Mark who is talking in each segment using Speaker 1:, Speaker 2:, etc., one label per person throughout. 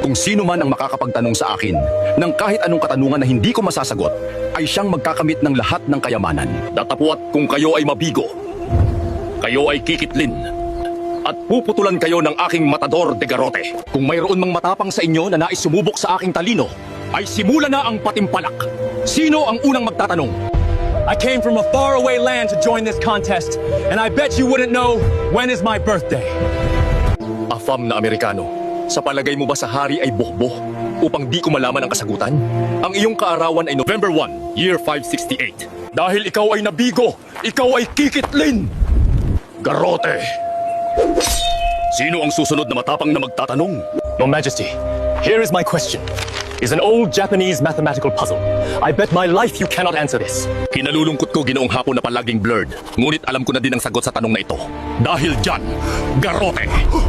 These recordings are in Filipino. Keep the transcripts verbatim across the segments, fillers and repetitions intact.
Speaker 1: Kung sino man ang makakapagtanong sa akin ng kahit anong katanungan na hindi ko masasagot, ay siyang magkakamit ng lahat ng kayamanan. Datapwat kung kayo ay mabigo, kayo ay kikitlin, at puputulan kayo ng aking matador de garrote. Kung mayroon mang matapang sa inyo na nais sumubok sa aking talino, ay simula na ang patimpalak. Sino ang unang magtatanong?
Speaker 2: I came from a faraway land to join this contest, and I bet you wouldn't know when is my birthday.
Speaker 1: Afam na Amerikano, sa palagay mo ba sa hari ay bohboh upang di ko malaman ang kasagutan? Ang iyong kaarawan ay November first, year five sixty-eight. Dahil ikaw ay nabigo, ikaw ay kikitlin! Garrote! Sino ang susunod na matapang na magtatanong?
Speaker 2: Your Majesty, here is my question. It's an old Japanese mathematical puzzle. I bet my life you cannot answer this.
Speaker 1: Kinalulungkot ko ginoong hapon na palaging blurred, ngunit alam ko na din ang sagot sa tanong na ito. Dahil dyan, garrote!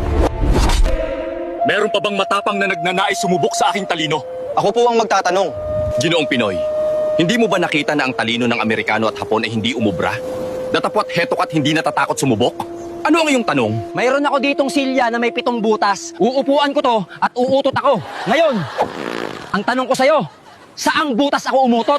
Speaker 1: Meron pa bang matapang na nagnanais sumubok sa aking talino?
Speaker 3: Ako po ang magtatanong.
Speaker 1: Ginoong Pinoy, hindi mo ba nakita na ang talino ng Amerikano at Hapon ay hindi umubra? Datapwat heto ka't hindi natatakot sumubok? Ano ang iyong tanong?
Speaker 4: Mayroon ako ditong silya na may pitong butas. Uupuan ko to at uutot ako. Ngayon, ang tanong ko sa'yo, saang butas ako umutot?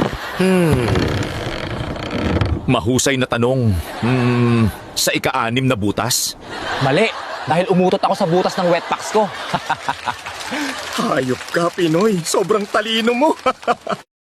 Speaker 1: Mahusay na tanong. Hmm, sa ika-anim na butas?
Speaker 4: Mali, dahil umutot ako sa butas ng wetpacks ko.
Speaker 1: Hayop ka, Pinoy. Sobrang talino mo.